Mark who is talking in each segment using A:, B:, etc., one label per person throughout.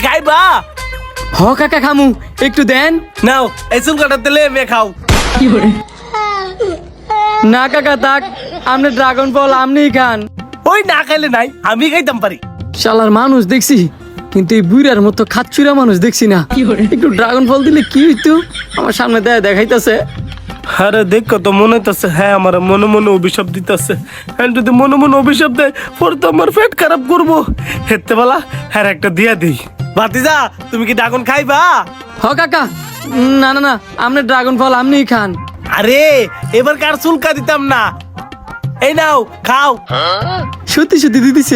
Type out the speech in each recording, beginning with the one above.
A: খাইবা?
B: হ কাকা খামু, একটু দেন।
A: নাও এই চুল কাটার তেলে মে খাও।
B: না কাকা থাক, আপনি ড্রাগন ফল আপনিই খান।
A: ওই না খাইলে নাই, আমি খাইতাম পারি।
B: শালার মানুষ দেখছি, কিন্তু এই বুড়ার মতো খাচ্চুরা মানুষ দেখছি না। একটু ড্রাগন ফল দিলে কি হইতো? আমার সামনে দেখাইতেছে।
A: আরে দেখো তো মনে হইতেছে, হ্যাঁ আমার মনে মনে অভিশাপ দিতেছে। হ্যাঁ যদি মনে মনে অভিশাপ দেয় পরে তো আমার পেট খারাপ করবো। হেতে বেলা হ্যাঁ একটা দিয়া দিই। ভাতিজা তুমি কি ড্রাগন খাইবা?
B: হ কাকা, না না না, আপনি ড্রাগন ফল আপনিই খান।
A: আরে এবার কার চুলকা দিতাম না। এই নাও খাও।
B: সত্যি সত্যি দিদিছে।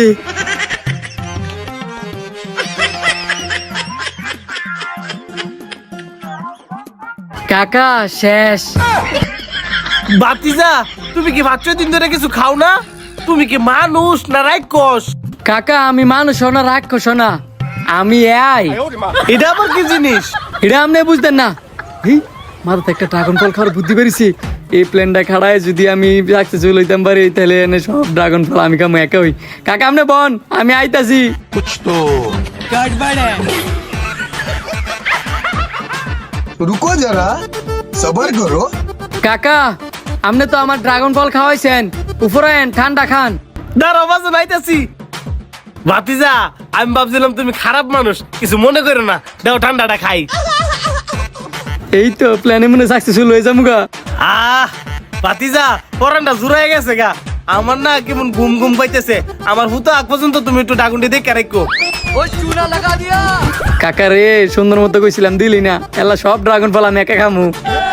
B: কাকা শেষ।
A: ভাতিজা তুমি কি ভাত দিন ধরে কিছু খাও না? তুমি কি মানুষ না রাক্ষস?
B: কাকা আমি মানুষ না রাক্ষস না, আমি
A: এটা আবার কি জিনিস?
B: এটা আপনি বুঝতেন না। মাথাতে একটা ড্রাগন ফল খাওয়ার বুদ্ধি পেরেছি। এই প্লেনটা খাড়ায় যদি আমি সাকসেসফুল হইতাম পারি, তাহলে এনে সব ড্রাগন ফল আমি খামো একা হই। কাকা আপনি বন, আমি আইতাছি।
C: रुको जरा सबर करो।
B: কাকা আপনি তো আমার ড্রাগন ফল খাওয়াইছেন, উপরে আইন, ঠান্ডা খান।
A: দাঁড়াও বাজে নাইতাছি। ভাতিজা আমি ভাবছিলাম তুমি খারাপ মানুষ, কিছু মনে করো না, দাও ঠান্ডাটা খাই।
B: এই তো প্ল্যানে মনে সাকসেসফুল হয়ে যাবো গা।
A: ভাতিজা পরানটা জুড়াই গেছে গা। আমার না কেমন ঘুম ঘুম পাইতেছে। আমার হুতো আগ পর্যন্ত তুমি একটু ডাগুনটি দেখে রাখো।
B: কাকা রে সুন্দর মতো কইছিলাম, দিলি না। এলা সব ড্রাগন ফল আমি একা খামু।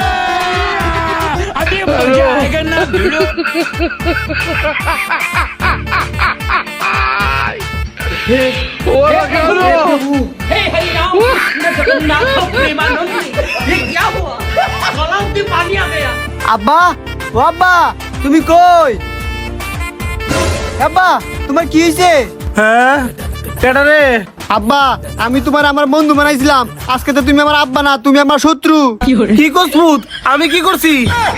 D: আব্বা, ও আব্বা তুমি কই? আব্বা তোমার কি হয়েছে?
A: হ্যাঁ কেডা রে?
D: আব্বা আমি তোমার আমার বন্ধু বানাইছিলাম, আজকে তো তুমি আমার আব্বা না, তুমি আমার শত্রু।
A: কি করছুত? আমি কি করছি?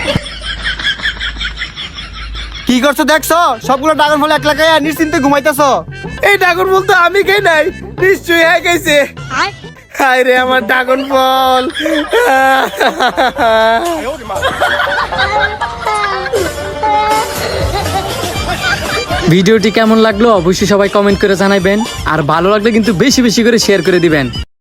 D: কি করছো দেখছো? সবগুলো ড্রাগন ফল একলা খাইয়া নিশ্চিন্তে ঘুমাইতেছো।
A: এই ড্রাগন ফল তো আমি খাই নাই, নিশ্চয়ই হ্যাঁ খাইছে। হায় রে আমার ড্রাগন ফল।
B: ভিডিওটি কেমন লাগলো অবশ্যই সবাই কমেন্ট করে জানাবেন, আর ভালো লাগলে কিন্তু বেশি বেশি করে শেয়ার করে দিবেন।